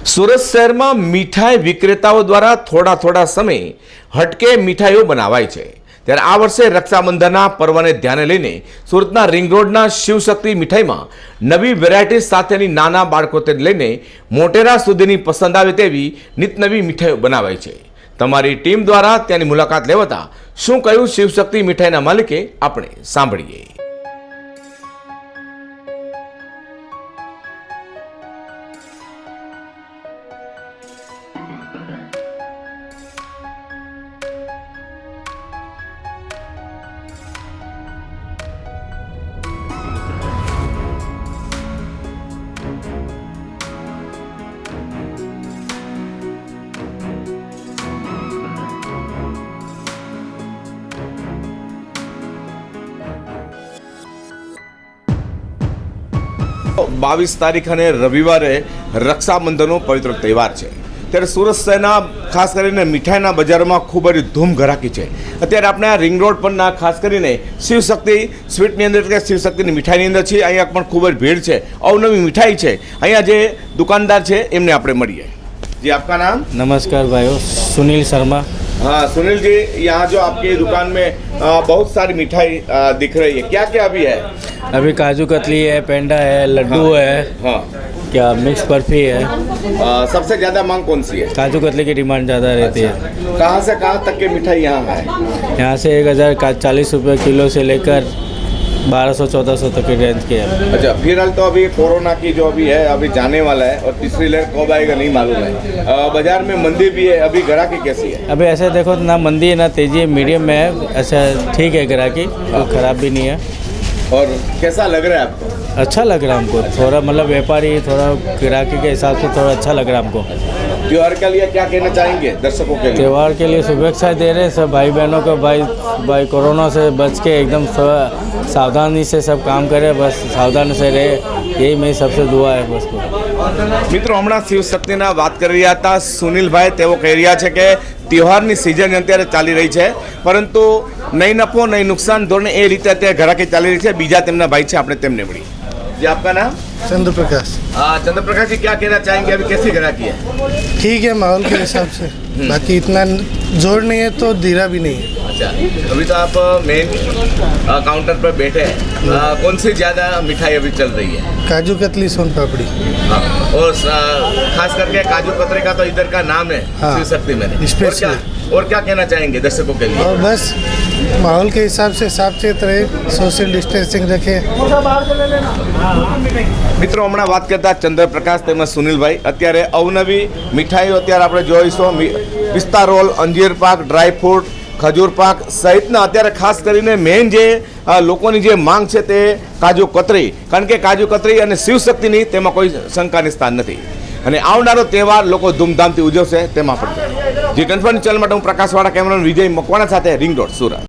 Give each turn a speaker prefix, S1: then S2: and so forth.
S1: સુરત શહેરમાં મીઠાઈ વિક્રેતાઓ દ્વારા થોડા થોડા સમય હટકે મીઠાઈઓ બનાવાય છે। ત્યારે આ વર્ષે રક્ષાબંધનના પર્વને ધ્યાને લઈને સુરતના રિંગ રોડના શિવશક્તિ મીઠાઈમાં નવી વેરાયટી સાથેની નાના બાળકોથી લઈને મોટેરા સુધીની પસંદ આવે તેવી નિતનવી મીઠાઈઓ બનાવાય છે। તમારી ટીમ દ્વારા ત્યાંની મુલાકાત લેવાતા શું કહ્યું શિવશક્તિ મીઠાઈના માલિકે, આપણે સાંભળીએ। बावीस तारीख ने रविवारे रक्षाबंधन पवित्र तहेवार है। त्यारे सूरत शहरना खास करीने मीठाईना बजारोमां खूब ज धूम घराकी है। अत्यारे आपणे आ रिंग रोड परना खास करीने शिवशक्ति स्वीटनी अंदर के शिवशक्तिनी मीठाईनी अंदर छे। अहींया पण खूब ज भीड़ है, अवनवी मीठाई है। अहींया जे दुकानदार है एमने आपणे मळीए। जी, आपका नाम?
S2: नमस्कार भाइयों, सुनील शर्मा।
S1: हाँ सुनील जी, यहाँ जो आपकी दुकान में बहुत सारी मिठाई दिख रही है, क्या क्या अभी है?
S2: अभी काजू कतली है, पेंडा है, लड्डू है,
S1: हाँ,
S2: क्या मिक्स बर्फी है।
S1: सबसे ज्यादा मांग कौन सी है?
S2: काजू कतली की डिमांड ज़्यादा रहती है।
S1: कहाँ से कहाँ तक की मिठाई यहाँ है?
S2: यहाँ से 1040 रुपये किलो से लेकर 1200-1400 तक की रेंज की है।
S1: अच्छा, फिलहाल तो अभी कोरोना की जो अभी है अभी जाने वाला है और तीसरी लहर कब आएगा नहीं मालूम है। बाजार में मंदी भी है, अभी ग्राहकी कैसी है?
S2: अभी ऐसे देखो ना मंदी है ना तेजी है, मीडियम में है। ऐसा ठीक है, ग्राहकी तो खराब भी नहीं है।
S1: और कैसा लग रहा है आपको?
S2: अच्छा लग रहा है हमको, थोड़ा मतलब व्यापारी थोड़ा ग्राहकी के हिसाब से थोड़ा अच्छा लग रहा है हमको।
S1: त्योहार के लिए क्या कहना चाहेंगे दर्शकों के लिए?
S2: त्यौहार के लिए शुभेच्छा दे रहे हैं सब भाई बहनों को। भाई कोरोना से बच के एकदम सावधानी से सब काम करे, बस सावधान से रहे, यही मेरी सबसे दुआ है बस।
S1: मित्रों, हमणां शिवशक्तिना बात कर रहा था सुनील भाई, तेओ कही रह्या छे के त्योहारनी सीजन अत्यारे चाली रही है, परंतु नहीं नफो नहीं नुकसान धोरणे ए रीते अत्यारे ग्राहकी चाली रही है। बीजा तेमना भाई है, आपणे तेमने मळी। जी, आपका नाम?
S3: चंद्र प्रकाश।
S1: चंद्र प्रकाश जी, क्या कहना चाहेंगे, अभी कैसी ग्राहकी है?
S3: ठीक है, माहौल के हिसाब से, बाकी इतना जोर नहीं है तो धीरा भी नहीं है।
S1: अच्छा, अभी तो आप मेन काउंटर पर बैठे हैं, कौन सी ज़्यादा मिठाई अभी चल रही है?
S3: काजू कतली, सोन पापड़ी।
S1: हाँ, और खास करके काजू कतरी का तो इधर का नाम है।
S3: हाँ,
S1: शिवशक्ति में। और क्या कहना चाहेंगे दर्शकों के लिए?
S3: और बस माहौल के हिसाब से साफ सुथरा रहे, सोशल डिस्टेंसिंग रखे।
S1: मित्रों, हमणां बात करता चंद्र प्रकाश तेमज सुनील भाई, अत्यारे अवनवी मिठाईओ अत्यारे आपणे जोईशुं। पिस्ता रोल, अंजीर पाक, ड्राय फ्रूट, खजूर पाक सहितना अत्यारे खास करीने मेन जे लोकोनी जे मांग छे ते काजू कतरी, कारण के काजू कतरी अने शिवशक्तिनी तेमां कोई शंकानी स्थान नथी અને આવનારો તહેવાર લોકો ધૂમધામથી ઉજવશે તેમાં પણ। જી, ટ્રાન્સફર ચેનલ માટે હું પ્રકાશવાળા કેમેરામેન વિજય મકવાણા સાથે રિંગ રોડ, સુરત।